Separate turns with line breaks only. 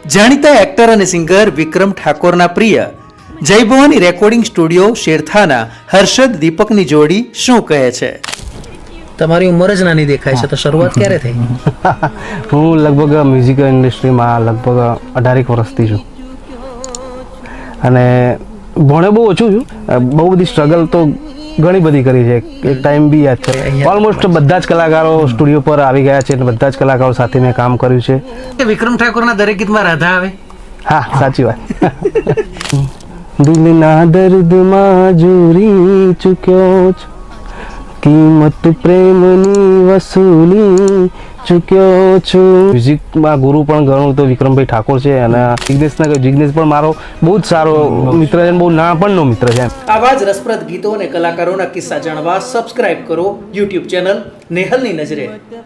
જાણીતા એક્ટર અને સિંગર વિક્રમ ઠાકોરના પ્રિય જય ભવાની રેકોર્ડિંગ સ્ટુડિયો શેરથાના હર્ષદ દીપકની જોડી શું કહે છે?
તમારી ઉંમર જ નાની દેખાય છે, તો શરૂઆત ક્યારે થઈ?
હું લગભગ મ્યુઝિક ઇન્ડસ્ટ્રીમાં લગભગ 18 વર્ષથી છું અને ભણે બહુ ઓછું છું. બહુ બધી સ્ટ્રગલ તો ઘણી બધી કરી છે. એક ટાઈમ બી યાદ છે, ઓલમોસ્ટ બધા જ કલાકારો સ્ટુડિયો પર આવી ગયા છે અને બધા જ કલાકારો સાથે મેં કામ કર્યું છે.
વિક્રમ ઠાકોરના દરેક ગીતમાં રાધા આવે?
હા, સાચી વાત. દિલના દર્દમાં જોરી ચૂક્યો છું, કિંમત પ્રેમની વસૂલી ચૂક્યો છું. મ્યુઝિકમાં ગુરુ પણ ઘણું તો વિક્રમભાઈ ઠાકોર છે અને જિગ્નેશ પણ મારો બહુ જ સારો મિત્ર છે, બહુ નાનપણનો મિત્ર છે.
આવા જ રસપ્રદ ગીતો અને કલાકારોના કિસ્સા જાણવા સબસ્ક્રાઇબ કરો યુટ્યુબ ચેનલ નેહલની નજરે.